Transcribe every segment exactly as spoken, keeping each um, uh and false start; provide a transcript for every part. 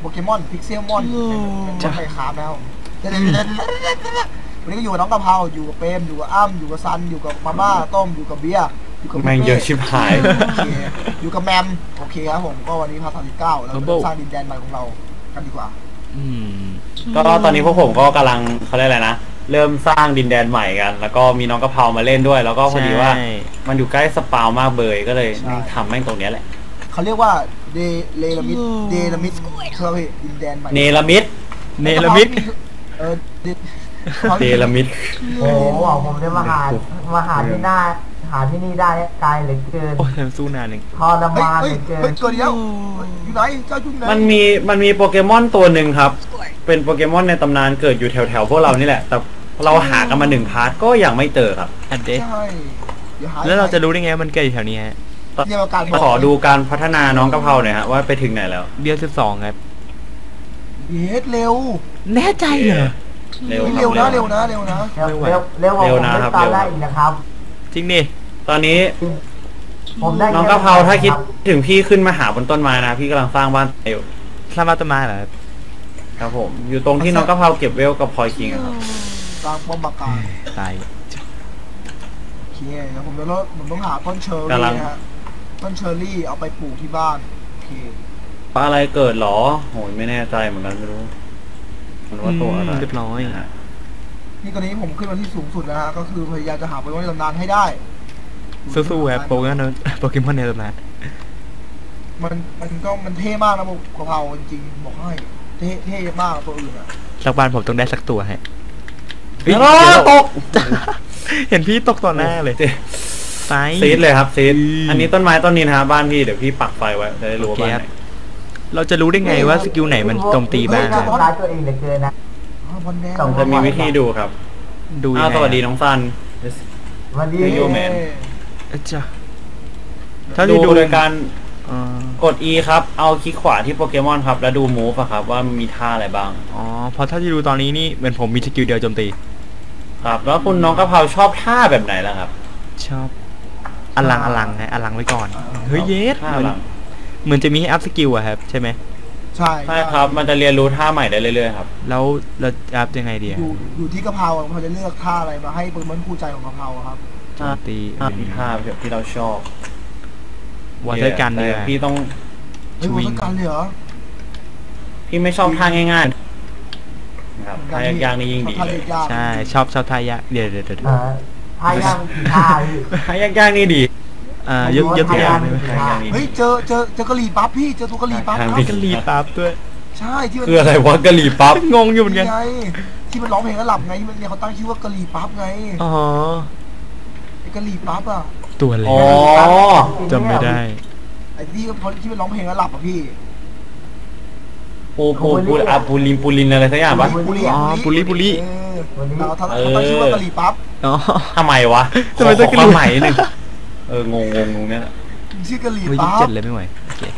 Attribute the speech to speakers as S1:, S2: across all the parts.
S1: เกมอนพิกเซลมอนจะไปคราฟแล้ววันนี้ก็อยู่กับน้องกะเพราอยู่กับเปรมอยู่กับอ้ำอยู่กับซันอยู่กับมาม่าต้มอยู่กับเบียร์อยู่กับ
S2: แม่งเยอะชิบหาย
S1: อยู่กับแมมโอเคครับผมก็วันนี้พาร์ทสามสิบเก้าเราสร้างดินแดนใหม่ของเรากันดีกว่า
S2: ก็ตอนนี้พวกผมก็กำลังเขาเรียกอะไรนะเริ่มสร้างดินแดนใหม่กันแล้วก็มีน้องกะเพรามาเล่นด้วยแล้วก็พอดีว่ามันอยู่ใกล้สปาวมากเบยก็เลยทำแม่งตรงนี้แหละ
S1: เขาเรียกว่าเดเลลามิดเดลามิดเชื่อพี่ดินแดนใหม่
S2: เนลามิด
S3: เนลามิด
S1: เออ
S2: เดลามิด
S4: โอ้โหผมจะมาหามาหาที่หน้าหาที่นี่ได้ไกลเหลือเกิน
S3: โอ้ยสู้นานหนึ่ง
S4: ทรมานเหลือเกิน
S1: ตัวเดียวอยู่ไหนเจ้าจุ่มไหน
S2: มันมีมันมีโปเกมอนตัวหนึ่งครับเป็นโปเกมอนในตำนานเกิดอยู่แถวแถวพวกเรานี่แหละแต่เราหากันมาหนึ่งพาร์ทก็ยังไม่เจอครับ
S3: อันเดะแล้วเราจะรู้ได้ไงมันเกิดอยู่แถวนี้ฮะ
S2: ขอดูการพัฒนาน้องกะเพราหน่อยฮะว่าไปถึงไหนแล้ว
S3: เดือนสิบสองครับ
S1: เย็ดเร็ว
S3: แน่ใจเหรอ
S1: เร็วเร็วนะเร็วนะเร็วนะ
S4: เร็วเร็วเร็วนะครับเร็วนะครับ
S3: จริงดิ
S2: ตอนนี้น้องกะเพราถ้าคิดถึงพี่ขึ้นมาหาบนต้นไม้นะพี่กำลังสร้างบ้านอยู่
S3: สร้างบ้านต้นไม้เหรอ
S2: ครับผมอยู่ตรงที่น้องกะเพราเก็บเวลกับพลอยคิงครับ
S1: สร้างป้อมปราการ
S3: ตาย
S1: โอเคแล้วผมจะต้องผมต้องหาต้นเชอร์รี่นะฮะต้นเชอร์รี่เอาไปปลูกที่บ้านโอเค
S2: ปลาอะไรเกิดหรอโหยไม่แน่ใจเหมือนกันไม่รู้มันว่าตัวอะไร
S3: เรียบร้อย
S1: นี่ตอนนี้ผมขึ้นมาที่สูงสุดแล้วฮะก็คือพยายามจะหาโปเกมอนในตำนานให้ได้
S3: สู้ๆครับโปเกมอนโปเกมอนในตำนาน
S1: มันมันก็มันเท่มากนะกะเพราจริงๆบอกให้เท่เท่มากตัวอื่นอะ
S3: สักวันผมต้องได้สักตัวให้
S2: ตก
S3: เห็นพี่ตกต่อหน้าเลยไฟ
S2: ซีดเลยครับซีดอันนี้ต้นไม้ต้นนี้นะครับบ้านพี่เดี๋ยวพี่ปักไฟไว้จะได้รู้ว่า
S3: เราจะรู้ได้ไงว่าสกิลไหนมันโจมตีบ้าง
S4: ตัวเองเหลือเกินนะ
S2: จะมีวิธีดูครับ
S3: ดูยังไง
S2: สวัสดีน้องซัน
S4: สวัสดี
S2: โยแมน
S3: จ้ะ
S2: ถ้าดูโดยการกด E ครับเอาคลิกขวาที่โปเกมอนครับแล้วดูมูฟครับว่ามีท่าอะไรบ้าง
S3: อ๋อเพราะถ้าที่ดูตอนนี้นี่เหมือนผมมีสกิลเดียวโจมตี
S2: ครับแล้วคุณน้องกะเพราชอบท่าแบบไหนล่ะครับ
S3: ชอบอลังอลังไงอลังไว้ก่อนเฮ้ยเยสเหมือนจะมีให้อัพสกิลอะครับใช่ไหม
S1: ใช่
S2: ใช่ครับมันจะเรียนรู้ท่าใหม่ได้เรื่อยๆครับ
S3: แล้วเราอัพยังไงดี
S1: อยู่อยู่ที่กะเพราเขาจะเลือกท่าอะไรมาให้โปเกมอนคู่ใจของกะเพราครับ
S3: โจมตี
S2: มีท่าแบบที่เราชอบ
S3: วอเตอร์กันเลย
S2: พี่ต้อง
S1: วอเตอร์กันเลยเหรอ
S2: พี่ไม่ชอบท่าง่ายๆครับท่ายากๆนี่ยิ่งดีเลย
S3: ใช่ชอบชอบท่ายากเดี๋ยวเดี๋ยวเดี๋ยว
S4: ท่ายากท่า
S2: ท่ายากๆนี่ดี
S3: อ่ายกยกตัวอย่าง
S1: เฮ้ยเจอเจอเจอกะหรี่ปั๊บพี่เจอตัวกะหรี่ปั๊บ
S3: กะหรี่ปั๊บด้วย
S1: ใช่ที่
S2: คืออะไรวะกะหรี่ปั๊บ
S3: งงอยู่เหมือนกัน
S1: ที่มันร้องเพลงแล้วหลับไงที่มันเนี่ยเขาตั้งชื่อว่ากะหรี่ปั๊บไง
S3: อ๋อ
S1: ไอ้กะหรี่ปั๊บอ่ะ
S3: ตัวอะไรจำไม่ได้
S1: ไอ้ที่เขาที่มันร้องเพลงแล้วหลับอ่ะพี่
S2: ปูปูปูอะปูลินปูลินอะไรสักอย่างปะ
S3: อ๋อปูลิปูลิ
S1: เราตั้งชื่อว่ากะหรี่ปั๊บ
S2: อ๋อทำไมวะ
S3: ทำไมต้องกะหรี่
S2: ใหม่หนึ่งเอองงงงเนี่ย
S1: ชื่อกะหรี่ปั๊บ
S3: เจ็ดเลยไม่ไหว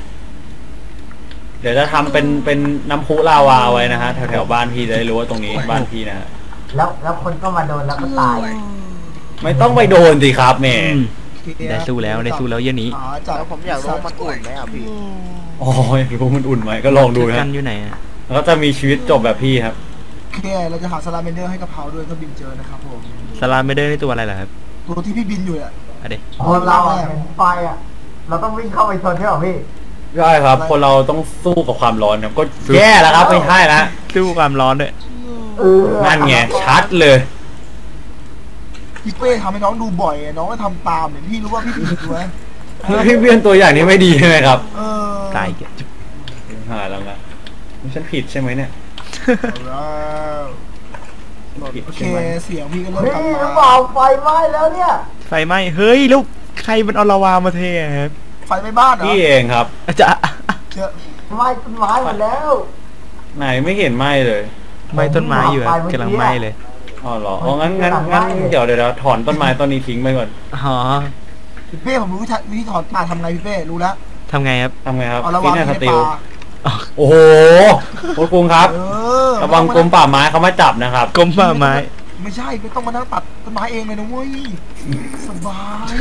S2: เดี๋ยวจะทำเป็นเป็นน้ำพุลาวาไว้นะฮะแถวแถวบ้านพี่จะได้รู้ว่าตรงนี้บ้านพี่นะฮะ
S4: แล้วแล้วคนก็มาโดนแล้วก็ตาย
S2: ไม่ต้องไปโดนสิครับแม่
S3: ได้สู้แล้วได้สู้แล้วเย็นนี้
S1: จากผมอยากรู้มันอุ่นไหมอ่ะพี่
S2: อ๋อรู้มันอุ่นไหมก็ลองดูนะ
S3: กันอยู่ไหน
S2: แล้วก็จะมีชีวิตจบแบบพี่ครับ
S1: โอเคเราจะหาสลาเมนเดอร์ให้กะเพราด้วยถ้าบินเจอนะครับผม
S3: สลาเมนเดอร์นี่ตัวอะไรล่ะครับ
S1: ตัวที่พี่บินอยู่อ่ะ
S3: อะเด็ก
S4: คนเราเป็นไฟอ่ะเราต้องวิ่งเข้าไปชนใช่ไหมพี่
S2: ใช่ครับคนเราต้องสู้กับความร้อนครับก็แย่แล้วครับไม่ใช่แล้ว
S3: สู้ความร้อนด้วย
S2: นั่นไงชัดเลย
S1: พี่เป้ทำให้น้องดูบ่อยน้องก็ทำตามเนี่ยพี่รู้ว่าพี่ผิดไหม
S2: พี่เบี้ยนตัวอย่างนี้ไม่ดีใช่ไหมครับ
S3: ตาย
S2: จุ๊บหาแล้วนะฉันผิดใช่ไหมเนี่ย
S1: โอเคเสียงพี่ก็เริ่มกลับมา
S4: เปล่าไฟไหม้แล้วเนี่ย
S3: ไฟไหม้เฮ้ยลูกใครมันเอาลาวามาเทครับ
S1: ไฟไหม้บ้านเหรอ
S2: พี่เองครับ
S3: จะ
S4: ไหม้ต้นไม้หมดแล้ว
S2: ไหนไม่เห็นไหม้เลย
S3: ไหม้ต้นไม้อยู่กำลังไหม้เลย
S2: อ๋อเหรออ๋องั้นงั้นงั้นเดี๋ยวเดี๋ยวถอนต้นไม้ต้นนี้ทิ้งไปก่อน
S3: อ๋อ
S1: พี่เป้ผมรู้วิธีถอนป่าทำไงพี่เป้รู้แล้ว
S3: ทำไงครับ
S2: ทำไงครับ
S1: ฟิตเนสสติล
S2: โอ้โหคุณกรุงครับระวังกรมป่าไม้เขามาจับนะครับ
S3: กรมป่าไม้
S1: ไม่ใช่ไม่ต้องมานั่งตัดต้นไม้เองเลยนะเว้ยสบาย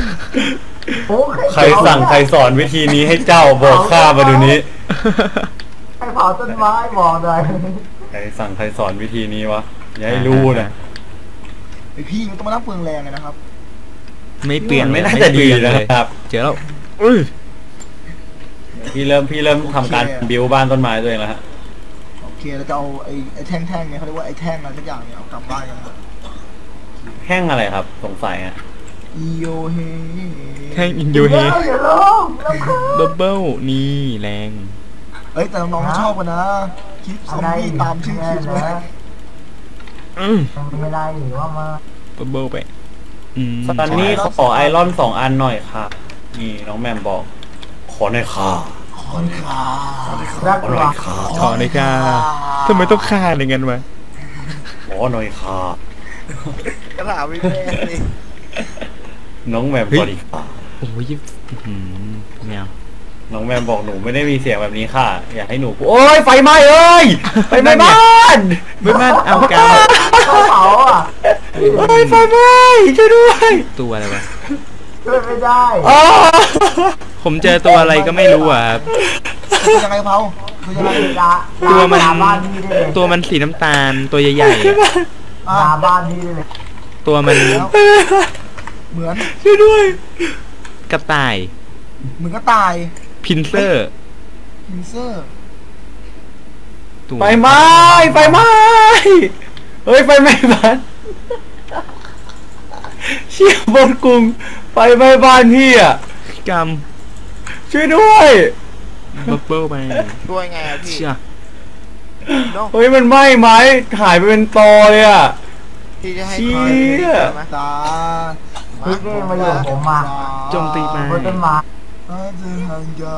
S2: ใครสั่งใครสอนวิธีนี้ให้เจ้าบอกข้ามาดูนี้
S4: ให้พาต้นไม้บอกเลย
S2: ใครสั่งใครสอนวิธีนี้วะอย่าให้รู้นะ
S1: ไอพี่มันต้องมานั่งเปลืองแรงเลยนะครับ
S3: ไม่เปลี่ยน
S2: ไม่น่า
S3: ไม่
S2: จะ
S3: เป
S2: ดี
S3: ลี่ยนเล
S2: นะ
S3: ย
S2: ครับ
S3: เจอแล้วอุ้ย
S2: พี่เริ่มพี่เริ่มทำการบิวบ้านต้นไม้ตัวเองแล้วฮะ
S1: โอเคเราจะเอาไอ้ไอ้แท่งๆเนี่ยเขาเรียกว่าไอ้แท่งอะไรสักอย่างเนี่ยเอากลับบ้านกันครับ
S2: แห้งอะไรครับสงสัยฮะ
S1: อีโยเฮ
S3: แท่งอินโยเฮ
S4: อย่าลงแล้วคือ
S3: บับเบิ้ลนี่แรง
S1: เอ้ยแต่น้องๆชอบกันนะคลิปซอมบี้ตามชื่อคลิปเลย
S3: อืม
S4: ไม่ได้หรือว่ามา
S3: บับเบิ้ลไปอืม
S2: ตอนนี้ขอไอรอนสองอันหน่อยค่ะนี่น้องแมมบอก ขอหน่อยค่ะ
S1: ขอนขา
S4: รัก
S2: ขอหน่
S4: ว่า
S2: อยค่ะ
S3: ขอเลยค่ะทำไมต้องฆ่าอย่างนั้นวะ
S2: ขอหน่อยค่ะ
S1: กระถางไม่แม่เลย
S2: น้องแมมสวัสดีค่ะ
S3: โอ้ยอื้อหือแมว
S2: น้องแมมบอกหนูไม่ได้มีเสียงแบบนี้ค่ะ อยากให้หนูพูดโอ้ยไฟไหม้เอ้ยไฟไหม้บ้าน
S3: ไม่บ้านเอากาว
S4: เขาเผาอ่ะ
S2: โอ้ยไฟไหม้ช่วยด้วย
S3: ตัวอะไรวะ
S4: ช่วยไม่ได้
S2: อ๋อ
S3: ผมเจอตัวอะไรก็ไม่รู้อ่ะครับ
S1: คือยังไงเผาคือยังไง
S4: ด่า
S3: ตัวมัน
S4: ด่าบ้านนี้ได้เลย
S3: ตัวมันสีน้ำตาลตัวใหญ่ๆอะ
S1: อ่ะ
S4: ด่าบ้านนี้ได้เลย
S3: ตัวมัน
S1: เหมือน
S2: ช่วยด้วย
S3: กระต่าย
S1: เหมือนก็ตาย
S3: พินเซอร์
S1: พินเซอร์
S3: ตัว
S2: ไฟไหม้ไฟไหม้เฮ้ยไฟไหม้บ้านเชี่ยบนกรุงไฟไหม้บ้านพี่อ่ะ
S3: กรรม
S2: ช่วยด้วย
S3: บับเบิ้ลไป
S5: ช่วยไงอะพี่
S3: เชื่อ
S5: เนาะ
S2: เฮ้ยมันไหม้ไม้หายไปเป็นตอเลยอ่ะ
S5: พี่จะให้
S2: เชี่
S5: ใคร
S2: ย
S5: ไหม
S1: ตา
S4: พี่นี่มาอยู่กับผมมา
S3: โจมตีมา
S4: บนต้นไม้
S1: อาจจะห่างไกล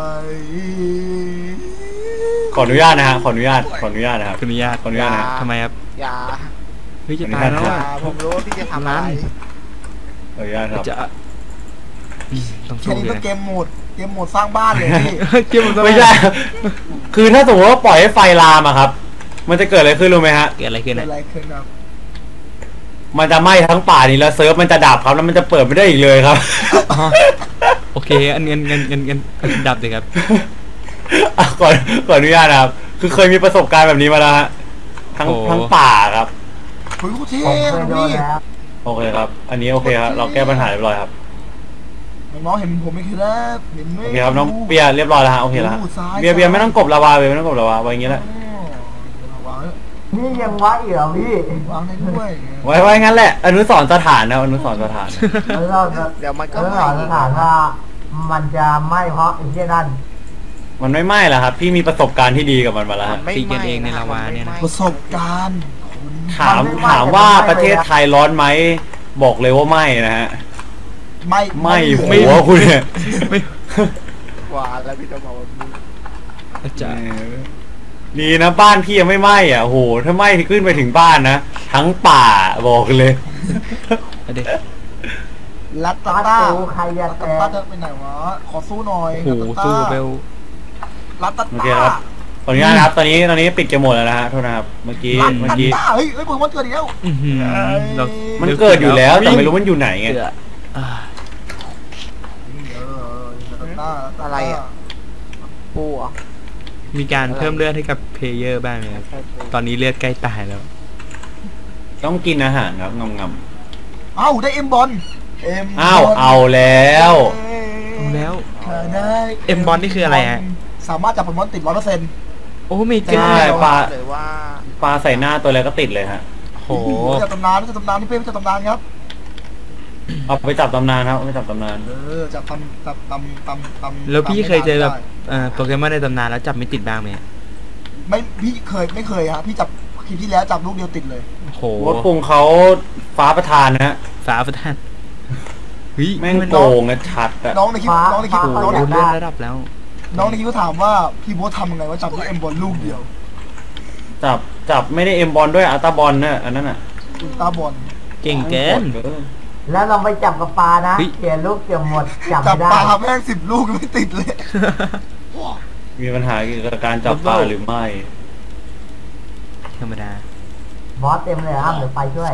S2: ขออนุญาตนะฮะขออนุญาตขออนุญาตนะครับ
S3: ขออนุญาต
S2: ขออนุญาตนะฮะ
S3: ทำไมครับ
S5: อย่า
S3: เฮ้ยจะตายแล้ว
S5: อย่า
S3: อ่ะ
S5: ผมรู้ว่าพี่จะทำอะไร
S2: ขออนุญาตครับ
S3: จะอืมต้อง
S1: แค่
S3: สู้
S1: นี้
S3: เล
S1: ก็
S3: ย
S1: เกมโหมดเกมโหมดสร้างบ้านเลยพี่
S3: เกี่ยวกับ
S2: ไม่ใช่ คือถ้าสมมติว่าปล่อยให้ไฟลามอะครับ มันจะเกิดอะไรขึ้นรู้ไหมฮะ
S3: เกิดอะไรขึ้น
S1: เกิด
S3: อ่ะ
S1: อะไรขึ้นครับ
S2: มันจะไหม้ทั้งป่านี้แล้วเซิร์ฟมันจะดับครับแล้วมันจะเปิดไม่ได้อีกเลยครับ
S3: อ๋อโอเคอันเงินเงินเงินเงินดับเลยครับ
S2: อ่ะขอขออนุญาตนะครับ คือเคยมีประสบการณ์แบบนี้มาแล้วฮะ ทั้ง
S3: โอ้
S2: ทั้งป่าครับ
S1: เฮ้ยกูเท่
S4: ผมเคย
S1: นะ
S4: โดน
S1: พี่
S4: แล้ว
S2: โอเคครับ อันนี้โอเคครับ เราแก้ปัญหาเรียบร้อยครับ
S1: น้องๆเห็นผมไหมครับเห็นไหม
S2: โอเคครับน้องเบียร์เรียบร้อยแล้วฮะ โอเคแล้วฮะ
S1: ดูซ้าย
S2: เบียร์เบียร์ไม่ต้องกบลาวาเบียร์ไม่ต้องกบลาวาไว้อย่างงี้แหละ
S1: อ๋อวาง
S4: นี่ยังวะอีกเหรอพี่
S1: วางได้ด้วย
S2: ไว้ไว้งั้นแหละ อนุสรณ์สถานนะอนุสรณ์สถาน
S4: แล้วเราจะ
S5: เดี๋ยวมันก็
S4: แล้ว
S5: ไหม้
S4: เรา
S5: อี
S4: จะ
S5: ก
S4: ถามว่ามันจะไหม้เพราะไอ้เหี้ยนั่น
S2: มันไม่ไหม้แล้วครับ พี่มีประสบการณ์ที่ดีกับมันมาแล้ว
S5: มั
S2: ฮะ
S5: นไม่
S3: ตีกัน
S5: ไหม้
S3: เองใน
S5: ะ
S3: ลาวาเนี่ยนะ
S5: มั
S1: ประสบการณ์คุณ
S2: ถามถามว่าประเทศไทยร้อนไหม บอกเลยว่าไม่นะฮะ
S1: ไม่
S2: ไม่หัวคุณเนี่ย
S3: ไม่
S5: กว่าแล้วพี่จะบอกว่ามึง
S3: จะ
S2: นี่นะบ้านพี่ยังไม่ไหม้อ่ะโหถ้าไหม้ขึ้นไปถึงบ้านนะ ทั้งป่าบอกเลย
S3: เอาเด็ก
S1: ลัต
S4: ตา
S1: ตาต้า
S4: ตูใครจะ
S1: ลัต
S4: แต
S1: ตาก ต้าจะไปไหนวะขอสู้หน่อย
S3: โอ้โหสู้กับเบล
S1: ลัตตา
S2: โอเค
S1: ต้า
S2: ครับขออนุญาตนะครับ ตอนนี้ตอนนี้ปิดเกมหมดแล้วนะฮะโทษนะครับ เมื่อกี้
S1: ลัต
S2: เมื่อ
S1: ตา
S2: กี้
S1: ต้าเฮ้ยเฮ้ยผมว่าเกิดอีกแล้ว
S3: อื้อหือเรา
S2: มันเกิดอยู่แล้วแต่ไม่รู้มันอยู่ไหนไง
S3: เกิดอ่า
S1: เออลัตตาต้า
S5: อะไรอ่ะ ปูเหรอ่ะ
S3: มีการเพิ่มเลือดให้กับเพลเยอร์บ้างไหมครับตอนนี้เลือดใกล้ตายแล้ว
S2: ต้องกินอาหารครับงำง
S1: เอ้าได้เอ็มบอลเอ็ม
S2: ำอ้าวเอาแล้ว
S3: เอาแล้ว
S1: ได้
S3: เอ็มบอลนี่คืออะไรฮะ
S1: สามารถจับโปเกมอนติดร้อยเปอร์เซ็นต์
S3: โอ้ไม่
S2: ใช่
S3: เจ้า
S2: ปลา
S5: เลยว่า
S2: ปลาใส่หน้าตัวอะไรก็ติดเลยฮะ
S3: โห
S1: จับตำนานจับตำนานที่เป้จับตำนานครับ
S2: เอาไปจับตำนานครับเอาไปจับตำนาน
S1: เออจับตำตำตำตำตำ
S3: แล้วพี่เคยเจอแบบ
S1: ได้
S3: เอ่อโปเกมอนในตำนานแล้วจับไม่ติดบ้างไหม
S1: ไม่พี่เคยไม่เคยฮะพี่จับคลิปที่แล้วจับลูกเดียวติดเลย
S3: โห
S2: ว่าปรุงเขาฟ้าประทานนะฮะ
S3: ฝาประทานเฮ้ย
S2: แม่งโกงนะชัดอะ
S1: น้องในคลิปน้องในคลิป
S3: โอ้
S1: น้อง
S3: โห
S1: ใน
S3: เลื่อนระดับแล้ว
S1: น้องในคลิปก็ถามว่าพี่โบ๊ททำยังไงว่าจับด้วยเอ็มบอลลูกเดียว
S2: จับจับไม่ได้เอ็มบอลด้วยอัลตาบอลนะอันนั้นอ่ะ
S1: อุลตร้าบอล
S3: เก่งเกิน
S2: โคตรเกิน
S4: แล้วเราไปจับกับปลานะ
S3: เฮ้ย
S4: เขียนลูกเกี่ยวหมดจับ
S1: จับ
S4: ไม่
S1: ป
S4: ได้
S1: ลาแม่งสิบลูกไม่ติดเลย
S2: มีปัญหาเกี่ยวกับการจับปลาหรือไม่
S3: ธรรมดา
S4: บอสเต็มเลยครับเดี๋ยวไปช่วย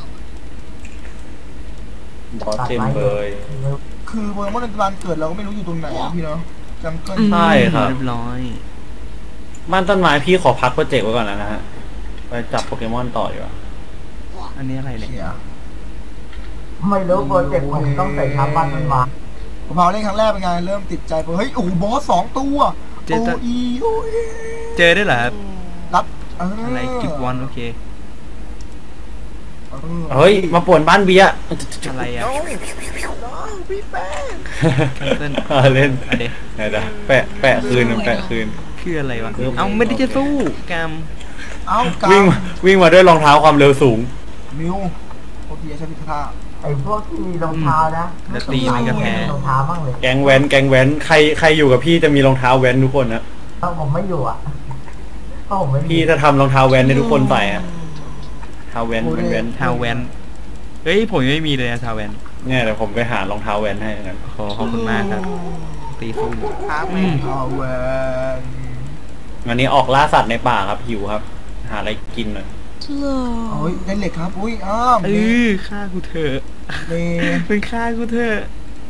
S2: บอสเต็มเบย
S1: คือโปเกมอนในตำนานเกิดเราก็ไม่รู้อยู่ตรงไหนอะพี่เนาะจังเกิล
S2: ใช่ครับ
S3: เรียบร้อย
S2: มบ้านต้นไม้พี่ขอพักโปรเจกต์ไว้ก่อนนะฮะไปจับโปเกมอนต่อดีกว่า
S3: อันนี้อะไรเนี่ย
S1: เชีย
S4: ไม่รู้โปรเจกต์ผมต้องใส่ทับบ้านมันมา
S1: ผมพาเล่นครั้งแรกเป็นไงเริ่มติดใจเฮ้ยโอ้โหบอสสองตัวโออีโอเอ
S3: เจอได้เหรอครับ
S1: รับ
S3: อะไรกิฟวอนโอเค
S2: เฮ้ยมาป่วนบ้านเบียร์
S3: อะไรอ่ะ
S5: น้องน้องพี่แป้ง
S3: เล่น
S2: อ่าเล่น
S3: อะเด
S2: ไหนจ้ะแปะแปะคืนแปะคืน
S3: คืออะไรวะเอาไม่ได้จะสู้กาม
S1: เอ้า
S2: วิ่ง
S1: กา
S2: มาวิ่งมาด้วยรองเท้าความเร็วสูง
S1: มิวโอเพียใช้พิธา
S4: ไอ้พวกที่มีรองเท้านะรองเท้าบ้างเลย
S2: แก๊งแว้นแก๊งแว้นใครใครอยู่กับพี่จะมีรองเท้าแว้นทุกคนนะ
S4: ถ้าผมไม่อยู่อ่ะเพราะผมไม่มี
S2: พี่จะทำรองเท้าแว้นให้ทุกคนใส่อะเท้าแว้นเป็นแว้น
S3: ทาวแวนเฮ้ยผมยังไม่มีเลยนะทาวแวน
S2: เนี่ยเดี๋ยวผมไปหารองเท้าแว้นให้กัน
S3: ขอขอบคุณมากครับ ตีสู้
S5: ครับ
S3: อืม
S1: เอาแวน
S2: วันนี้ออกล่าสัตว์ในป่าครับหิวครับ หาอะไรกินหน่อย
S1: โอ้ยได้เหล็กครับอุ้ยอ้าว
S3: เออฆ่ากูเถอะ
S1: เม
S3: เป็นฆ่ากูเถอะ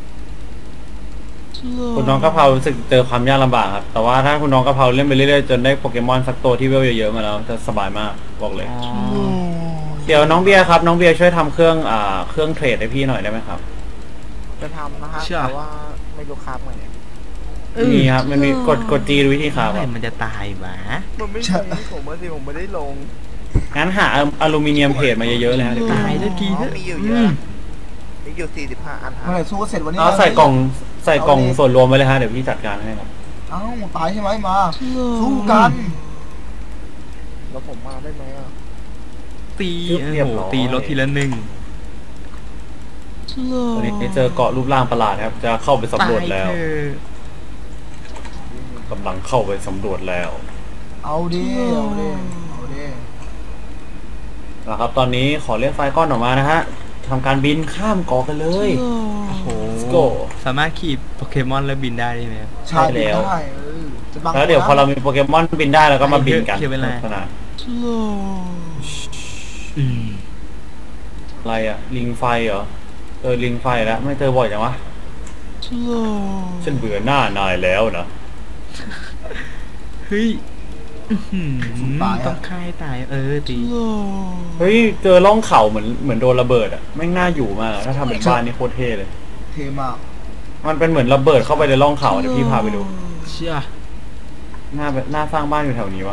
S2: คุณน้องกะเพรารู้สึกเจอความยากลำบากครับ แต่ว่าถ้าคุณน้องกะเพราเล่นไปเรื่อยๆจนได้โปเกมอนสักตัวที่เวลเยอะๆมาแล้วจะสบายมากบอกเลย
S3: อ๋อ
S2: เดี๋ยวน้องเบียร์ครับน้องเบียร์ช่วยทำเครื่องอ่าเครื่องเทรดให้พี่หน่อยได้ไหมครับ
S5: จะทำนะฮะแต่ว่าไม่รู้ครับไง
S2: มีครับมันมีกดกดจีดูวิธีครับ
S3: เมื่อไหร่มันจะตายหวะ
S5: มันไม่มีผมว่าสิผมไม่ได้ลง
S2: งั้นหาอลูมิเนียมเพจมาเยอะๆเลยครับเดี๋ยวพี่
S3: ตายสักที
S5: อ๋
S3: เถ
S5: อ
S3: อะ
S5: มีอยู่เย
S3: อื
S5: อะ
S3: ม
S5: มีอยู่สี่สิบห้าอัน
S1: เมื่อไหร่สู้เสร็จวันนี้
S2: เอาใส่กล่องใส่กล่องส่วนรวมไปเลยฮะเดี๋ยวพี่จัดการให้ครับ
S1: เอ้าตายใช่ไหมมาสู้กัน
S5: แล้วผมมาได้ไหมอ่ะ
S3: ตีโอ้โหตีรถทีละหนึ่ง
S2: ตอนนี้เจอเกาะรูปร่างประหลาดครับ จะเข้าไปสำรวจแล้ว
S3: ตายเถอะ
S2: กำลังเข้าไปสำรวจแล้ว
S1: เอาดิเอาดิเอาดิ
S2: นะครับ ตอนนี้ขอเรียกไฟก้อนออกมานะฮะทำการบินข้ามเกาะกันเลย
S3: โอ้โห
S2: Let's go
S3: สามารถขี่โปเกมอนแล้วบินได้ใช่ไหมครับ
S1: ใช่
S2: ใช่แล้ว
S1: ได้เออจะบัง
S2: แล้วเดี๋ยวพอเรามีโปเกมอนบินได้เราก็มาบินกัน
S3: เขียนไว้เลย
S2: ขนาด
S3: อืม
S2: อะไรอะลิงไฟเหรอเออลิงไฟแล้วไม่เจอบ่อยจังวะฉันเบื่อหน้านายแล้วนะ
S3: เฮ้ยอื้อหือต้องฆ่าให้ตาย เออตี
S2: เฮ้ยเจอร่องเขาเหมือนเหมือนโดนระเบิดอะไม่งน่าอยู่มากถ้าทำเป็นบ้านนี่โคตรเท่เลย
S1: เทมาก
S2: มันเป็นเหมือนระเบิดเข้าไปในร่องเขาเดี๋ยวพี่พาไปดู
S3: เชี่ย
S2: หน้าหน้าสร้างบ้านอยู่แถวนี้วะ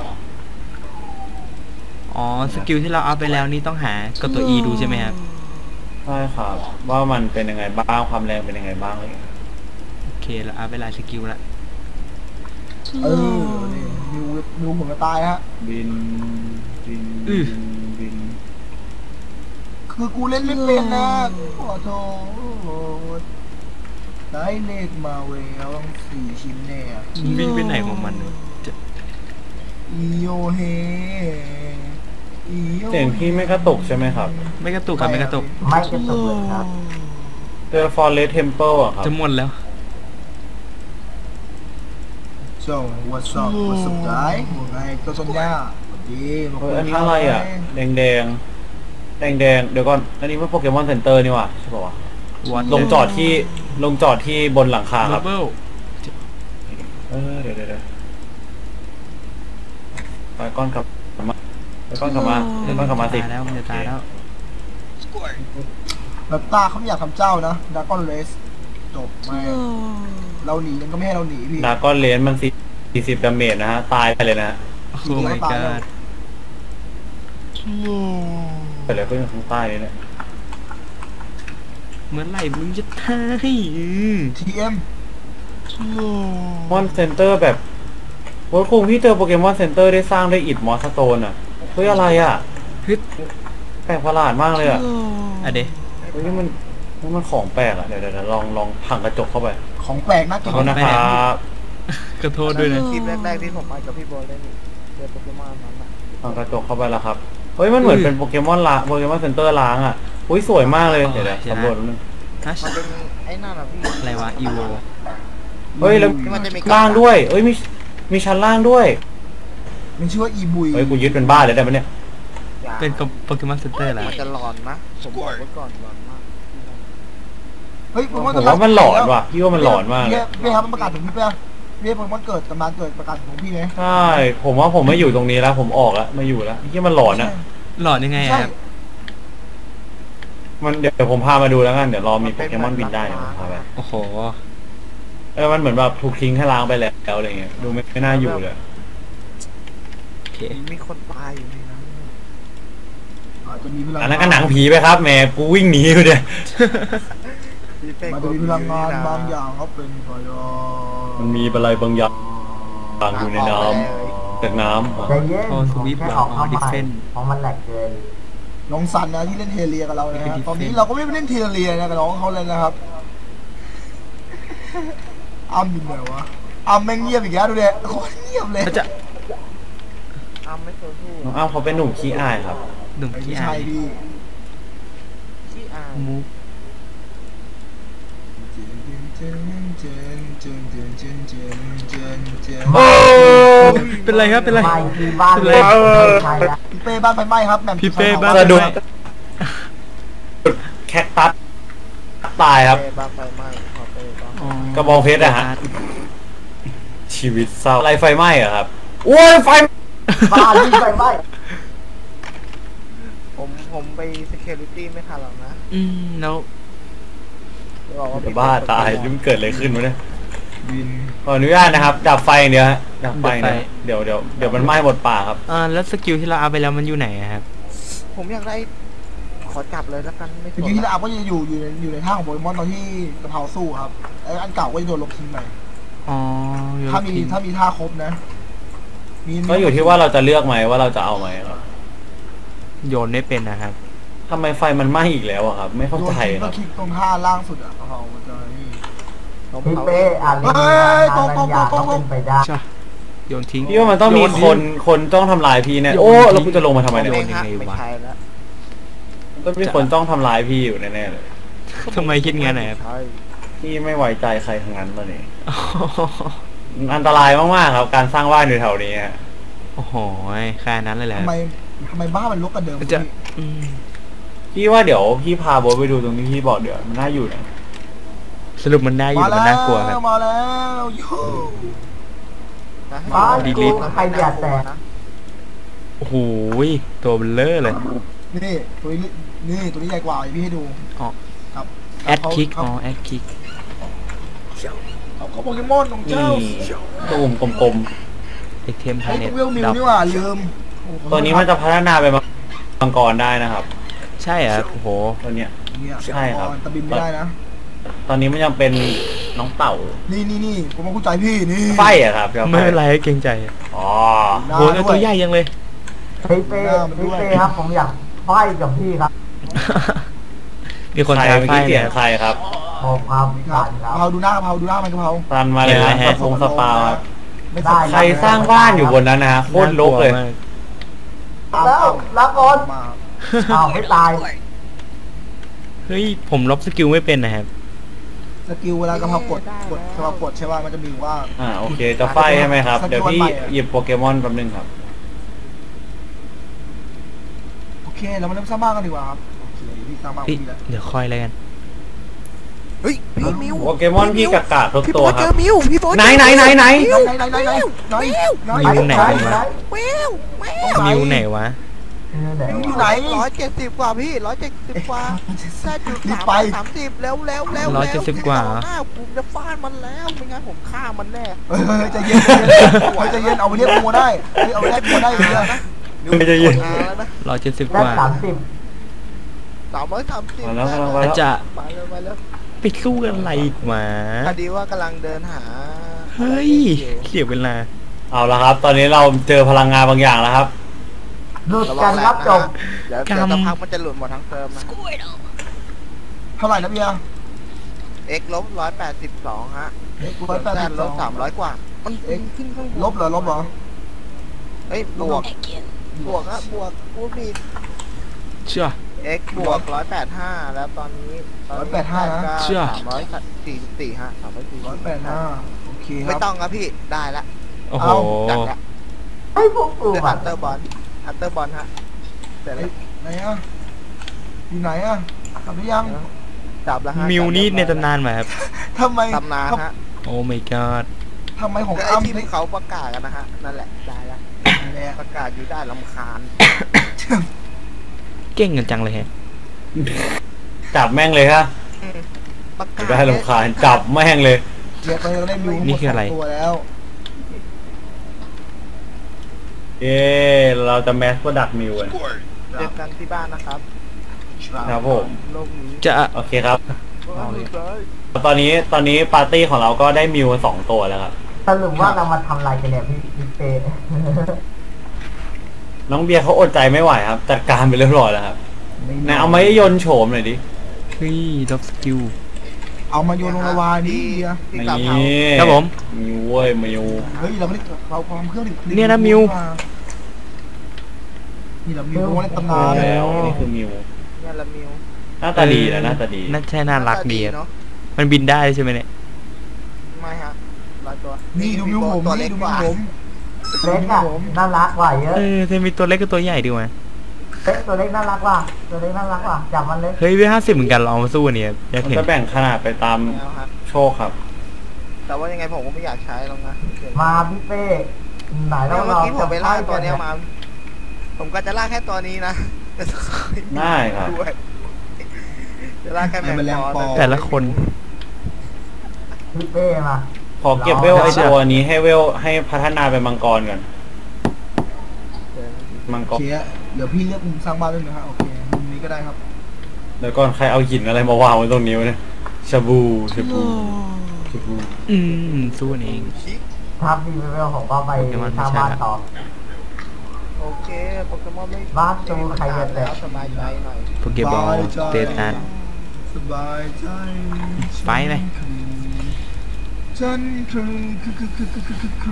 S3: อ๋อสกิลที่เราเอาไปแล้วนี่ต้องหากดตัว E ดูใช่ไหมครับ
S2: ใช่ครับว่ามันเป็นยังไงบ้างความแรงเป็นยังไงบ้างอะไรอย่างเงี้ย
S3: โอเคเราเอาไปหลายสกิลละ
S1: เออนี่มิวมิวผมจะตายฮะ
S2: บินบินบิน
S1: คือกูเล่นไม่เป็นนะขอโทษได้เลขมาเวลสี่ชิ้นแน่
S3: มันวิ่งไปไหนของมันวะจะ
S1: อีโยเฮอีโย
S2: เสียงพี่ไม่กระตุกใช่ไหมครับ
S3: ไม่กระตุกครับไม่กระตุก
S4: ไม่กระตุกเลยครับ
S2: เจอ Forest Temple อะครับ
S3: จะหมดแล้ว
S1: โซ่ what's up what's up guy ว่าไงตัวสัญญาดีมา
S2: เอ
S1: คุ
S2: อย อันนี้อะไรอ่ะแดงแดงแดงแดงๆเดี๋ยวก่อนอันนี้มันโปเกมอนเซ็นเตอร์นี่ว่ะใช่ป่าวะ
S3: วัด
S2: ลงจอดที่ลงจอดที่บนหลังคาครับ
S3: เบิล
S2: เออเดี๋ยวเดี๋ยวเดี๋ยวไปก้อนกลับมาไปก้อนกลับมาไปก้อนกลับมาสิ
S3: ตายแล้วมันจะตายแล้ว
S1: แบบตาเขาไม่อยากทำเจ้านะดากอนเลสจบไม่เราหนีมันก็ไม่ให้เราหนีพี่
S2: ดาก้อนเลนมันสี่สิบดาเมจนะฮะตายไปเลยนะฮะ
S3: โอ้ my god
S2: ไปเลยเพื่อนข้างใต้นี่แหละ
S3: เมื่อไหร่มึงจะตายอืม
S1: ทีเอ็ม
S2: มอนเซ็นเตอร์แบบโอ้ยคงพี่เจอโปเกมอนเซ็นเตอร์ได้สร้างได้อิดมอสโตนอ่ะเฮ้ยอะไรอ่ะ
S3: ฮึด
S2: แปลกประหลาดมากเลยอ่ะ
S3: อะเดะ
S2: เฮ้ยนี่มันนี่มันของแปลกอ่ะเดี๋ยวเดี๋ยวเดี๋ยวลองลองพังกระจกเข้าไป
S1: ของแปลกนะ
S2: ข
S1: กิ
S2: อน โทษนะครับ
S3: ขอโทษด้วยนะ
S5: คลิปแรกๆที่ผมมากับพี่โบเล่นเล่นโปเกมอนนั้นอ่ะ
S2: พังกระจกเข้าไปแล้วครับเฮ้ยมันเหมือนเป็นโปเกมอนล้างโปเกมอนเซ็นเตอร์ล้างอ่ะอุ้ยสวยมากเลยเดี๋ยวเดี๋ยวสำรวจนิดนึง
S3: ฮัช
S5: มันเป็นไอ้นั่นอ่ะพี่
S3: อะไรวะอีโว
S2: เฮ้ยแล้ว
S5: ที่มันจะมี
S2: ล่างด้วยเอ้ยมีมีชั้นล่างด้วย
S1: มันชื่อว่าอีบุย
S2: เฮ้ยกูยึดเป็นบ้านเลยได้ปะเนี่ย
S3: เป็นโปเกมอนเซ็นเตอร์แล้ว
S5: มันจะหลอนนะผมบอกไว้ก่อนหลอนมาก
S1: เฮ้ยผมว่า
S2: ผมว่ามันหลอนว่ะพี่ว่ามันหลอนมากเลย
S1: พี่ครับมันประกาศถึงพี่เป้เรียกมันเกิดตำนานเกิดประกาศของพี่ไหม
S2: ใช่ผมว่าผมไม่อยู่ตรงนี้แล้วผมออกแล้วไม่อยู่แล้วที่มันหลอนอะ
S3: หลอดยังไงอะ
S1: ใช่
S3: ครับ
S2: มันเดี๋ยวผมพามาดูแล้วกันเดี๋ยวรอมีโปเกมอนบินได้เดี๋ยวผมพาไป
S3: โอ้โห
S2: เออมันเหมือนแบบถูกทิ้งให้ล้างไปแล้วอะไรเงี้ยดูไม่ไม่น่าอยู่เลย
S3: โอเค
S5: มีคนตายอยู่ในนั้น
S1: อาจจะมีพลัง
S2: อันนั้นก็หนังผีไปครับแหมกูวิ่งหนีอยู่เนี่ย
S5: พี่เป้
S1: มันจะมีพลังงานบางอย่างเขาเป็นพยอ
S2: มันมีอะไรบางอย่างอยู่ในน้ำจากน้ำ
S4: ใจเย็น
S3: โอ้สวิป
S4: แค่
S3: เหรอ
S4: ออกเข้า
S3: ดิ
S4: ใหม่
S3: เฟน
S4: เพราะมันแหลกเกิน
S1: น้องซันนะที่เล่นเทเลียกับเรานะ
S3: เป็น
S1: ฮะ
S3: defense
S1: ตอนนี้เราก็ไม่ไปเล่นเทเลียนะกับน้องเขาเลยนะครับอ้ำอยู่ไหนวะอ้ำแม่งเงียบอีกแล้วดูเด็โคตรเงียบเลย
S3: เขาจะ
S5: อ้ำไม่เคยพูด
S2: น้องอ้าวเขาเป็นหนุ่มขี้อายครับ
S3: หนุ่ม
S1: ไม่
S3: ที่
S1: ใช่
S3: อาย
S1: พี่
S5: ที่อาย
S3: มูฟ
S2: โอ้
S3: เป็นไรครับเป็นไร
S4: ไม่ที่บ้าน
S3: เป็นไร
S4: ไม่ใช่ละ
S1: พี่เป้บ้านไฟไหม้ครับแหม่ม
S3: พี่เป้บ้าน
S2: สะดุดแคคตัสตายครับ
S5: เป้บ้างไฟไหม้ขอเป้บ้าง
S3: อ๋อก
S2: ระบองเพชรอะฮะ ชีวิตเศร้าอะไรไฟไหม้อะครับโอ้ยไฟ
S4: บ้านที่ไฟไหม้
S5: ผมผมไป security ไม่ทันหรอกนะ
S3: อืมแล้ว
S5: บอกว่า
S2: จะบ้าตายนี่มันเกิดอะไรขึ้นวะเนี่ย
S1: วิน
S2: ขออนุญาตนะครับดับไฟอย่างเดียวฮะดับไฟเนี่ยเดี๋ยวเดี๋ยวเดี๋ยวมันไหม้หมดป่าครับ
S3: อ่าแล้วสกิลที่เราเอาไปแล้วมันอยู่ไหนอะครับ
S5: ผมอยากได้ขอจับเลยแล้วกันไม่
S1: จริงๆที่เราอัพก็จะอยู่อยู่ในอยู่ในท่าของโปเกมอนตอนที่กระเพราสู้ครับไอ้อันเก่าก็จะโดนลบทิ้งไป
S3: อ๋อโยน
S1: ถ้ามี
S3: ทิ้ง
S1: ถ้ามีท่าครบนะมี
S2: ก็อยู่ที่ว่าเราจะเลือกไหมว่าเราจะเอาไหมครับ
S3: โยนไม่เป็นนะครับ
S2: ทำไมไฟมันไหม้อีกแล้วอะครับ ไม่เข้า
S1: โยน
S2: ใจ
S1: ทิ้ง
S2: ค
S1: ก็
S2: รับ
S1: คลิกตรงท่าล่างสุดอ่ะกระเพรามันจะนี่
S5: ผม
S4: พี่
S5: เอา
S4: เป้อ่านเรื่อง
S1: เฮ้
S4: งาน
S1: ย
S4: บางอย่างก็เป็นไปได้
S3: ใช่โยนทิ้ง
S2: พี่ว่ามันต้องมี
S3: โย
S2: คน
S3: ทิ้ง
S2: คนต้องทำลายพี่เนี่ย
S3: โยน
S2: โอ้
S3: ทิ้ง
S2: แล้วกูจะลงมาทำไมเนี่ย
S3: โย
S5: เองฮะ
S3: ยังไงวะ
S5: ไม่ใช่แล้ว
S2: ต้องมีคนต้องทำลายพี่อยู่แน่ๆเลย
S3: ทำไมคิดงั้นนะครับ
S5: ใช่
S2: พี่ไม่ไว้ใจใครทั้งนั้นมาเนี่ยอันตรายมากๆครับ การสร้างบ้านอยู่แถวนี้ฮะ
S3: โอ้โหแค่นั้นเลยแหละ
S1: ทำไมทำไมบ้านมันลกกันเดิม
S3: มันจะ
S1: พี่
S3: อืม
S2: พี่ว่าเดี๋ยวพี่พาโบ๊ทไปดูตรงที่พี่บอกเดี๋ยวมันน่าอยู่นะ
S3: สรุปมันได้อยู่
S1: มา
S3: หรือ
S1: แล้
S3: มันน่ากลัวครับ
S1: วมาแล้วยู
S5: นะ
S4: บ้าน
S3: ดี
S4: กู
S3: ลิท
S4: ใครอย่าแตก
S5: นะ
S3: โอ้โหตัวเบลเลอร์เลย
S1: นี่ตัวนี้นี่ตัวนี้ใหญ่กว่าพี่ให้ดู
S3: อ๋อ
S1: ครับ
S3: แอดคิก
S1: เขา
S3: อ๋อแอดคิก
S1: เขาเขาโปเกมอนของ
S2: นี่
S1: เจ้า
S2: ตูมกลม
S3: เอ็กเทมพา
S1: ไอ้
S3: เน็ต
S1: ตัวเวลมิว
S3: ดับ
S1: นี่หว่าลืมโอ้โห
S2: ๆตัวนี้มันจะพัฒนาเป็นมังกรได้นะครับ
S3: ใช่เหรอโอ้โห
S2: ตัวเนี้ย
S1: เนี่ย
S2: ใช่ครับ
S1: ตะบินไม่ได้นะ
S2: ตอนนี้มันยังเป็นน้องเต่า
S1: นี่นี่นี่ผมมาเข้าใจพี่นี่
S2: ไฟอะครับดี๋ยวฟ
S3: ไม่เป็นไรเกรงใจ
S2: อ๋อ
S1: หน้า
S3: โหแล้ว
S1: ด้
S3: ตัว วย ใหญ่ยังเลย
S4: พี่เป้พี่เป้ครับผมอยากไฟกับพี่ครับ
S3: มีคน
S2: ใคร
S3: ท้า
S2: เมื่อ
S3: ไฟ
S2: กี้เสี
S3: เนี่ย ย
S2: งใครครับ
S4: ผมครับ
S1: ครั
S4: ผ่า
S1: บ
S4: นค
S1: กะ
S4: รับ
S1: เพราดูหน้ากะเพราดูหน้ามันกะเพรา
S2: ตันมาเลยนะสปงสปาวครับ
S1: ไม่
S4: ได้
S2: ใครสร้างบ้านอยู่บนนั้นนะฮะโคตรรกเลย
S3: น่ากวมาก
S4: แล้วลาก่อน
S1: มา
S4: อ้าวไม่ตาย
S3: เฮ้ยผมลบสกิลไม่เป็นนะครับ
S1: สกิลเวลากะเพรากดกดกะเพรากดใช่ป่ะมันจะมีว่า
S2: อ่าโอเคจะไฟใช่ไหมครับ เดี๋ยวพี่หยิบโปเกมอนแป๊บนึงครับ
S1: โอเคเรามาเริ่มสร้างบ้านกันดีกว่าครับโอเคพี่สร้างบ้าน
S3: พี่
S1: พี่แล้ว
S3: เดี๋ยวคอยแล้วกัน
S5: เฮ้ยพี่มิว
S2: โปเกมอนพี่กากาทุก
S5: พี่
S2: ตั
S5: โบ๊
S2: ว
S5: ท
S2: ค
S5: เจ
S2: รั
S5: อบ มิวพี่โบ๊ท
S2: ไหนไหนไหนไหน
S1: ไหนไหนไหนไหนไหนไหนไหน
S3: มิวไหนกันวะ
S5: มิวมิว
S3: มิวไหนวะ
S4: เออไหน
S1: มิวอยู่
S4: วะ
S1: ไหน
S5: ร้อยเจ็ดสิบกว่าพี่ร้อยเจ็ดสิบกว่าแค่จุด
S1: รีบ
S5: สาม
S1: ไป
S5: สามสิบแล้วแล้วแล้ว
S3: ร้อยเจ็ดสิบกว่า
S5: หน้าผมจะฟาดมันแล้วไม่งั้นผมฆ่ามันแน่
S1: เฮ้ยใจเย็นใจเย็นเอาไปเรียกงัวได้เอาไปเรียกงัวได้เลยนะ
S2: ไม่จะยิน
S5: อ่าแล้วนะ
S3: ร้อยเจ็ดสิบ
S4: ได้
S3: กว่า
S4: สามสิบ
S5: สามร้อยสามสิบ
S2: มาแล้วมาแล้วมา
S3: อาจ
S2: แล้ว
S3: จะ
S5: ไปเลยไปเลย
S3: ไปสู้กันอะไรอีกหมา
S5: พอดีว่ากำลังเดินหา
S3: เฮ้ยเสียเวลา
S2: เอาละครับ ตอนนี้เราเจอพลังงานบางอย่างแล้วครับ
S4: หลุดกันครับจบ
S5: เดี๋ยวเดี๋ยวสักพักมันจะหลุดหมดทั้งเติมนะ
S1: เท่าไหร่นะเบียร์
S5: x ลบร้อยแปดสิบสองฮะ
S1: เอ็กซ์
S5: ส่
S1: ร้อ
S5: วย น
S1: แปด
S5: แซ
S1: สิ
S5: น
S1: บ
S5: ล
S1: สอบ ง
S5: สามร้อยกว่า มัน
S1: เอ็กซ์
S5: ขึ้นข้างบน
S1: ลบเหรอลบเหรอ
S5: เอ้ยบวกบวกฮะบวกพูดผิด
S3: เชื่อ
S5: x บวกร้อยแปดห้าแล้วตอนนี้
S1: ร้อยแปดห้านะ
S3: เชื่อ
S5: สามร้อยสี่สิบสี่ฮะสามร้อยสี่
S1: ร้อยแปดห้าโอเคค
S5: ไม่
S1: รับ
S5: ต้องครับพี่ได้ละ
S3: โอ้โห
S5: จัดละ
S4: ไอ้พวกกู
S5: เดือด
S4: บั
S5: อั
S4: ต
S5: ตเตอร์บอลอัตเตอร์บอลฮะเสร็จแล้ว
S1: ไหนอ่ะอยู่ไหนอ่ะกลับหรือยัง
S5: จับแล้วฮะ
S3: มิวนี่ในตำนานไหมครับ
S1: ทำไม
S5: ตำนานฮะ
S3: โอ้ my god
S1: ทำไมของ
S5: ก็ไอ้
S1: อ้ำ
S5: ที่ที่เขาประกาศกันนะฮะนั่นแหละได้แล้ว
S1: แหละ
S5: ประกาศอยู่ได้ลำคาญ
S3: เก่งกันจังเลยฮะ
S2: จับแม่งเลยฮะ
S5: ประกาศ
S2: ได้รำคาญจับแม่งเลย
S1: เดี๋ยวไปเราได้มิว
S3: นี่คืออะไร
S1: ตัวแล้ว
S2: เย้เราจะแมสโปรดักต์มิวกัน
S5: เจอกันที่บ้านนะครับ
S2: ครับผม
S5: โลกนี้
S3: จะ
S2: โอเคครับ
S1: เอาเลย
S2: ตอนนี้ตอนนี้ปาร์ตี้ของเราก็ได้มิวสองตัวแล้วครับ
S4: สรุปว่าเรามาทำอะไรกันเนี่ยพี่พี่เป้
S2: น้องเบียร์เขาอดใจไม่ไหวครับจัดการไปเรียบร้อยแล้วครับไหนเอาไม้ยนต์โฉมหน่อยดิ
S3: เฮ้ยล็อกสกิล
S1: เอามาโยนลงละวานี่เดียว
S5: ที่
S2: นี่
S5: กลับเฮา
S3: ครับผม
S2: มิวเว้ยมิว
S1: เฮ้ยเราไม่ได้เราความเครื่องดิ
S3: เนี่ยนะมิว
S1: นี่เรามิวในตำนาน
S2: แล้วนี่คือมิว
S5: เนี่ยละมิว
S2: หน้าตาดีนะหน้าตาดี
S3: น่าใช่น่ารักดีครับ
S5: เนาะ
S3: มันบินได้ใช่ไหมเนี่ย
S5: ไม่ฮะร้อยตัว
S1: นี่ดูมิวผม
S5: ตัว
S1: นี่
S5: เล็ก
S1: ดู
S5: ก
S1: มิว
S5: ว่า
S1: ผม
S4: เล็กอะน่ารักกว่าเยอะ
S3: เออจะมีตัวเล็กกับตัวใหญ่ดีกว่า
S4: เล็กตัวเล็กน่ารักกว่าตัวเล็กน่ารักกว่าจับมันเลย
S3: เฮ้ยเวห้าสิบเหมือนกันเราเอามาสู้อันเนี่ยอยาก
S2: มัน
S3: เห็น
S2: จะแบ่งขนาดไปตาม
S5: แล้วครับ
S2: โชคครับ
S5: แต่ว่ายังไงผมก็ไม่อยากใช้หรอกนะ
S4: มาพี่เป้ไหน
S5: แล้
S4: แล้ว ว
S5: เมื่อ
S4: เรา
S5: กี้ผมไปล่าตัวเนี้ยมา ผมก็จะล่าแค่ตัวนี้นะแต่
S2: ได้ครับ
S5: ด้วยจะล่าแค่แมงปอ
S3: แต่ละคน
S4: พี่เป้มา
S2: ขอเก็บเวลไอตัวนี้ให้เวลให้พัฒนาเป็นมังกรก่อนมังก
S1: โอ
S2: ร
S1: เคเดี๋ยวพี่เลือกมุมสร้างบ้านด้วยนะฮะโอเคมุมนี้ก็ได้ครับ
S2: เดี๋ยวก่อนใครเอาหินอะไรมาวางไว้ตรงนี้วะเนี่ยชาบูชาบูชาบู
S3: อืมสู้อันเอง
S5: ชิ
S4: ถ้าพี่เป้ผมก็ไปทำบ้านต่อ
S5: โอเคโปเกมอนไม่
S4: บ้านจูใครจะแตะ
S5: แล้วสบายใจหน่อย
S3: โปเกบอลเตตัส
S1: สบายใจ
S3: ไปไหม
S1: ฉันคือคือคือคือคือคือคือ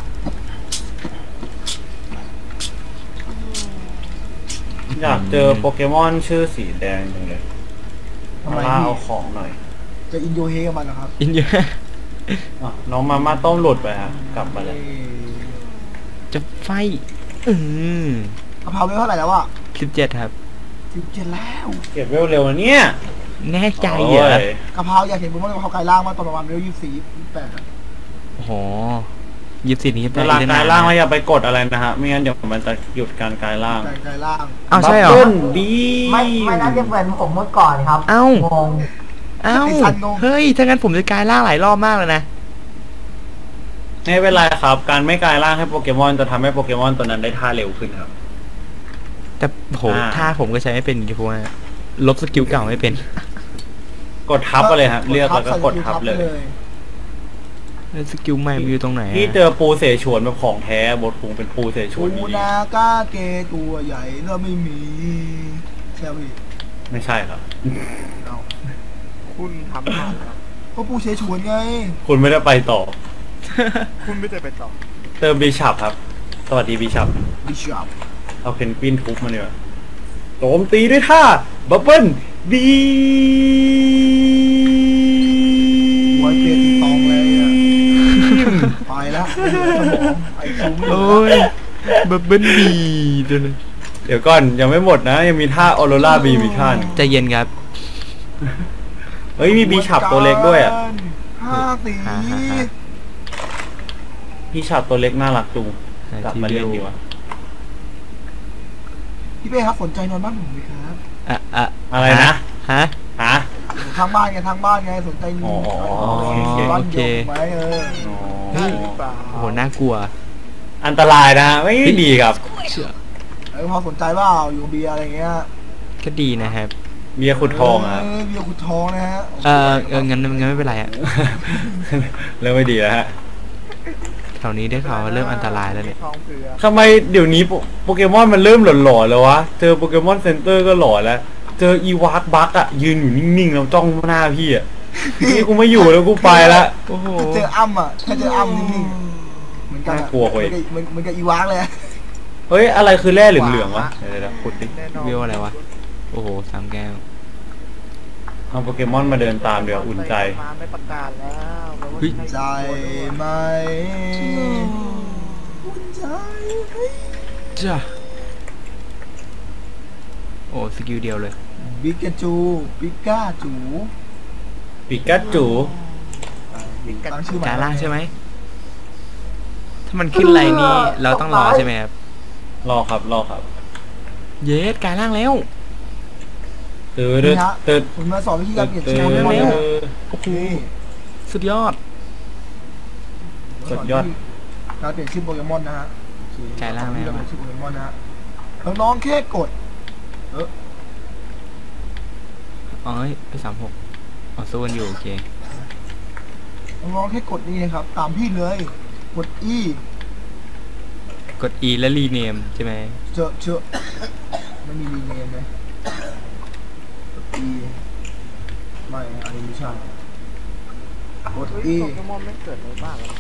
S2: อยากเจอโปเกมอนชื่อสีแดงจังเลย
S1: ทำไม
S2: มา
S1: พี่
S2: เอาของหน่อย
S1: จะอินโยเฮกับมันนะครับ
S3: อินเยอะ
S2: อ่ะน้องมาม่าต้มหลุดไปฮะกลับมาเลย
S3: จะไฟอืม
S1: กะเพราไม่เท่าไหร่แล้วอ่ะ
S3: สิบเจ็ดครับ
S1: สิบเจ็ดแล้ว
S2: เก็บเวลเร็วนะเนี่ย
S3: แน่ใจเหรอ
S2: โย
S1: กะเพราอยากเห็นผมว่ากะเพรากายล่างมาตอนประมาณเวลยี่สิบสี่ยี่สิบแปด
S3: โอ้โหยิบสิบนี้
S2: เวลากายล่างไม่อย่าไปกดอะไรนะฮะไม่งั้นเดี๋ยวมันจะหยุดการกายล่าง
S1: กายกายล่าง
S3: อ้าวใช่เหรอ
S2: บับบิ้ลบี
S4: ไม่ไม่น่าจะเหมือนผมเมื่อก่อนครับ
S3: เอ้า
S4: งง
S3: เอ้าเฮ้ยถ้างั้นผมจะกลายร่างหลายรอบมากเลยนะ
S2: ไม่เป็นไรครับ การไม่กายล่างให้โปเกมอนจะทำให้โปเกมอนตัวนั้นได้ท่าเร็วขึ้นครับ
S3: แต่โห
S2: อ่า
S3: ถ้าผมก็ใช้ไม่เป็นอยู่เพราะว่าลบสกิลเก่าไม่เป็น
S2: กดทับไปเลยครับเลือกแล้วก็กดทับเลย
S3: แล้วสกิลใหม่มันอยู่ตรงไหนอะ
S2: ที่เจอปูเสฉวนแบบของแท้บทคุงเป็นปูเสฉวน
S1: ปู
S2: ดี
S1: นากาเกตัวใหญ่แล้วไม่มีใช่ไหมพี่
S2: ๆไม่ใช่ครับ
S1: เอา
S5: คุณทำผ่านแล้ว
S1: ก็ปูเชฉวนไง
S2: คุณไม่ได้ไปต่อ
S5: คุณไม่ได้ไปต่อ
S2: เติมบีชับครับ สวัสดีบีชับ
S1: บิชอป
S2: เอาเพนกวินทุบมาเนี่ยโจมตีด้วยท่าบับเบิ้ลบี
S1: ไว้เปลี่ยนตองเลยอ่ะไปแล้วสมองไอ้ซูไม่
S3: โอ้ยบับเบิ้ลบีตัวนึง
S2: เดี๋ยวก่อนยังไม่หมดนะ ยังมีท่าออโรราบีมีท่าน
S3: ใจเย็นครับ
S2: เฮ้ยมีบีชับตัวเล็กด้วยอ่ะ
S1: ห้าสี
S3: ฮ่าฮ่าฮ่า
S2: บีชับตัวเล็กน่ารักจุงกลับมาเล่นดีกว่า
S1: พี่เป้ครับสนใจนอนบ้านผมไหมครับ
S3: อะอะ
S2: อะไรนะ
S3: ฮะ
S2: ฮะ
S1: ทางบ้านไงทางบ้านไงสนใจ
S2: อ๋อ
S1: บ้าน
S3: โอเค
S1: เดียวไหมเออ
S2: อ๋อ
S5: ได้หรือเปล่า
S3: โอ้โหน่ากลัว
S2: อันตรายนะฮะไม่ดีครับ
S3: เชื่อ
S1: เออพอสนใจว่าอยู่เบียร์อะไรเงี้ย
S3: ก็ดีนะครับ
S2: เบียร์ขุดทองอะครับ
S1: เเบียร์ขุดทองนะฮะ
S3: เออเอองั้นงั้นไม่เป็นไรอะ
S2: เริ่มไม่ดีแล้วฮะ
S3: แถวนี้ได้ข่าวว่าเริ่มอันตรายแล้วเนี่ย
S5: ทองเผือก
S2: ทำไมเดี๋ยวนี้โปโปเกมอนมันเริ่มหลอนๆแล้ววะ เจอโปเกมอนเซ็นเตอร์ก็หลอนแล้ว เจออีวากบักอะยืนอยู่นิ่งๆแล้วจ้องหน้าพี่อะนี่กูไม่อยู่แล้วกูไปละ
S3: โอ้โห
S1: ถ้าเจออ้ำอ่ะถ้าเจออ้ำนิ่งๆเหมือนกันอะ
S2: น่ากลัวเว้ย
S1: เหมือนเหมือนกับอีวากเลยอะ
S2: เฮ้ยอะไรคือแร่เหลืองๆวะเดี๋ยวๆๆขุดดิ
S5: แน่นอน
S3: วิวอะไรวะ โอ้โหสามแก้ว
S2: เอาโปเกมอนมาเดินตามเดี๋ยวอุ่นใจ
S5: มาไม่ประกาศแล้วแปลว่า
S3: เฮ้ย
S1: ใจไหมอุ่นใจเฮ้ย
S3: จ้าโอ้สกิลเดียวเลย
S1: ปิกาจูปิกาจู
S2: ปิกัจจู
S1: ตั้งชื่อใหม่
S3: กาล่างใช่ไหมถ้ามันขึ้นไรนี่เราต้องรอใช่ไหมครับ
S2: รอครับรอครับ
S3: เยสกลายร่างแล้ว
S2: ตื่นตื่นตื่น
S1: ผมมาสอนวิธีการเปลี่ยน
S2: ตื่
S1: ชื่
S2: น
S1: อโปเกมอน
S3: เร็
S1: นะ
S3: ว โอ้โหสุดยอด
S2: สุดยอด
S1: การเปลี่ยนชื่อโปเกมอนนะฮะ
S3: กลายร่างแล้ว
S1: ที่เราเปลี่ยนชื่อโปเกมอนนะฮะน้องๆแค่กด เออ
S3: อ๋อไปสามหกอ๋อสู้กันอยู่โอเค
S1: น้องๆแค่กดนี่นะครับ ตามพี่เลย กด E
S3: กด E แล้วรีเนมใช่ไหม
S1: เจอเจอไม่มีรีเนมเลยกด E ไม่อันนี้ไม่ใช่กด
S5: เฮ้ย
S1: E
S5: โปเกมอนไม่เกิดในบ้านแล้ว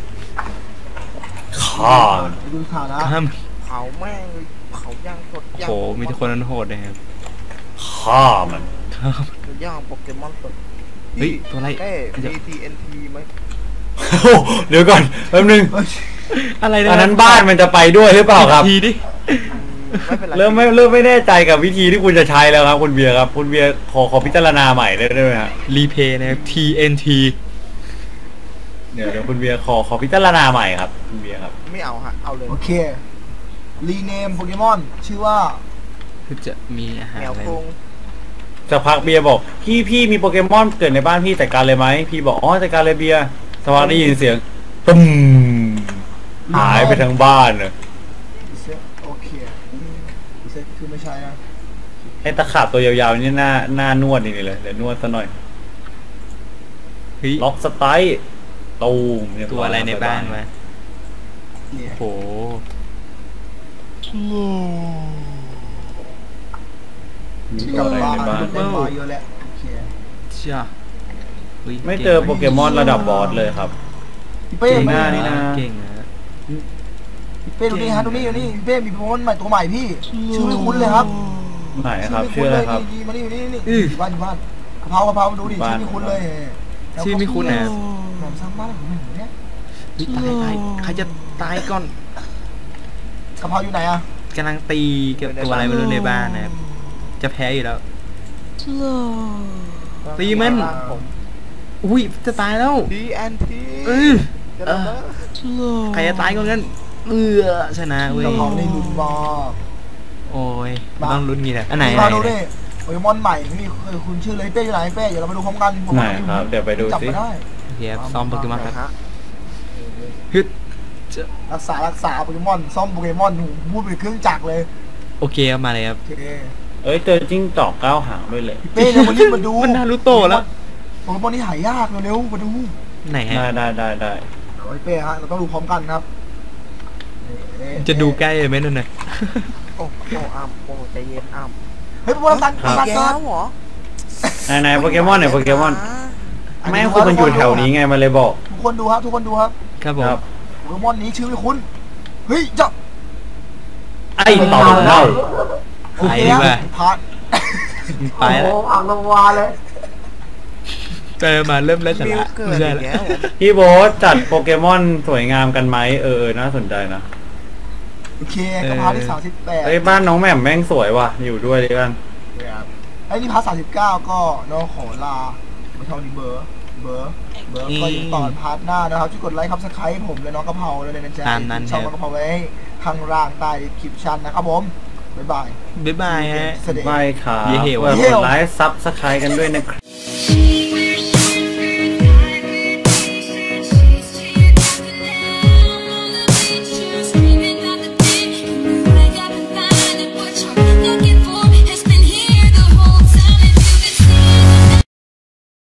S2: ข้า
S1: ไปดูข่าวนะ
S3: ข้าม
S5: เผาแม่งเลยเผาย่างสด
S3: โอ้
S5: ย่าง
S3: โหมีแต่คนนั้นโหดนะครับ
S2: ข้ามัน
S3: ครับ
S5: ย่างโปเกมอนสด
S3: เฮ้ยตัวอะไร
S5: เอ้ มี ที เอ็น ที ไหม
S2: โอ้เดี๋ยวก่อนแป๊บนึง
S1: เฮ้ย
S3: อะไรนะ
S2: อันนั้นบ้านมันจะไปด้วยหรือเปล่าครับ
S3: ทีดิ
S5: ไม่เป็นไร
S2: เริ่มไม่เริ่มไม่แน่ใจกับวิธีที่คุณจะใช้แล้วครับคุณเบียร์ครับคุณเบียร์ขอขอพิจารณาใหม่ได้ไหมฮะ
S3: รีเพย์นะครับ ที เอ็น ที
S2: เดี๋ยวเดี๋ยวคุณเบียร์ขอขอพิจารณาใหม่ครับคุณเบียร์ครับ
S5: ไม่เอาฮะ เอาเลย
S1: โอเค รีเนมโปเกมอนชื่อว่า
S3: คือจะมีอาหาร
S5: แมว
S3: อะไร
S5: กรง
S2: สักพักเบียร์บอกพี่พี่มีโปเกมอนเกิดในบ้านพี่จัดการเลยไหมพี่บอกอ๋อจัดการเลยเบียร์สักพักได้ยินเสียงตึมหายไปทั้งบ้านเลย
S1: โอเคเซ็ตคือไม่ใช่นะ
S2: ไอ้ตะขาบตัวยาวๆนี่หน้าหน้านวดนี่เลยเดี๋ยวนวดซะหน่อย
S3: เฮ้ย
S2: ล็อกสไตล์ตูมเยบ
S3: ตัวอะไรในบ้านวะ
S1: เนี่ย
S3: โอ้โห
S2: มี
S1: ก
S2: ตั
S1: ลั
S2: ว
S1: บ
S2: อะไร
S1: บ้าน
S2: ในบ้าน
S1: เล่นมาเยอะแล้วโอเค
S3: จ้าฮ้ย
S2: ไม่เจอโปเกมอนระดับบอสเลยครับ
S1: พี่เป้
S2: เก่ง
S1: มา
S2: หน้านี่นะ
S3: เก่งนะ
S1: พี่เป้ดูนี่ฮะดูนี่ดูนี่พี่เป้มีโปเกมอนใหม่ตัวใหม่พี่ ชื่อไม่คุ้นเลยครับ
S2: ไหนครับ
S1: ไม่
S2: ชื่ออะไรครับ
S1: นี่มานี่นี่นี่อยู่บ้านอยู่บ้านกะเพรากะเพรามาดูดิ
S2: บ้าน
S1: ชื่อไม่คุ้นเลย
S3: ชื่อไม่คุ้นนะ
S1: หนอมสร้างบ้านของหนูเนี่ย
S3: เฮ้ยตายตายใครจะตายก่อน
S1: กะเพราอยู่ไหนอะ
S3: กำลังตีกับตัวอะไรไม่รู้ในบ้านนะครับจะแพ้อยู่แล้ว ตีมัน
S5: ผม
S3: อุ้ยจะตายแล้ว
S5: ที เอ็น ที
S3: เออ
S5: จะระเบิด
S3: ใครจะตายก่อนกันเออชนะเว้ย
S1: กะเพราในลุ้นมาก
S3: โอ้ย
S1: บ้า
S3: ต้องลุ้นงี้แหละอันไหน
S1: พี่
S3: ไหน
S1: มาดู
S3: ไหน
S1: ดิโปเกมอนใหม่ไม่มีเคยคุณชื่อเลยเป้อยู่ไหนเป้เดี๋ยวเราไปดูพร้อมกัน
S2: ไหนครับเดี๋ยวไปดู
S1: จับ
S2: สิ
S1: มาได้
S3: โอเคครับซ้อมโปเกมอนครับ
S5: ฮะ
S3: ฮึด
S1: รักษารักษาโปเกมอนซ่อมโปเกมอนหูพูดเป็นเครื่องจักรเลย
S3: โอเคครับมาเลยครับ
S1: โอเค
S2: เอ้ยเจอจิ้งจอกเก้าหางด้วยเลย
S1: พี่เป้เร็วมารีบมาดู
S3: มันนารูโตะแล้ว
S1: โปเกมอนนี่หายากเร็วๆมาดู
S3: ไหนฮะ
S2: ได้ได้ได้ได้
S1: โอ้ยเป้ฮะเราต้องดูพร้อมกันครับนี่
S3: จะดูใกล้เลยไหมนั่นน่ะ
S5: โอ้โอ้อ้ำโอ้ใจเย็นอ้ำ
S1: เฮ้ยโปเกมอนตันตัน
S5: แก้
S1: เกิ
S5: วน เหรอ
S2: ไหนไหนโปเกมอนเนี่ยโปเกมอนไม่คุณมันอยู่แถวนี้ไงมันเลยบอก
S1: ทุกคนดูครับทุกคนดูครับ
S3: ครับผม
S2: ครับ
S1: โปเกมอนนี้ชื่อไม่คุ้นเฮ้ยจะ
S2: ไอ้ต่อเน่า
S1: โอเคครับพาร์ท
S3: ไปแล้ว
S4: โอ้โหอ่างลงวาเลย
S3: เจอมาเริ่มไร้สา
S5: มิว
S3: ระ
S5: เกิด
S3: ไม่ใช่
S5: อี
S3: ละ
S5: กแล้วเหรอ
S2: พี่โบ๊ทจัดโปเกมอนสวยงามกันไหมเออเออน่าสนใจนะ
S1: โอเคก็พาร์ทที่สามสิบแปด
S2: เอ้ยบ้านน้องแหม่มแม่งสวยว่ะอยู่ด้วยดีกัน
S1: ไอ้นี่พาร์ทสามสิบเก้าก็น้องขอลาไม่เท่านี้เบอร์เบอร์เบอร์ก็ยังต่อพาร์ทหน้านะครับช่วยกดไลค์ครับสไครต์ผมและน้องกะเพราเลยนะจ๊ะ
S3: ตามนั้น
S1: ช่อง
S3: ค
S1: น้
S3: รั
S1: อบ งกะเพราไว้ข้างล่างใต้คลิปชันนะครับผมบ๊ายบาย
S3: บ๊ายบายฮะ
S1: เสด็จ
S2: ไม่ครับ
S3: เย่เหว
S2: กดไลค์ซับสไครต์กันด้วยนะครับ
S6: She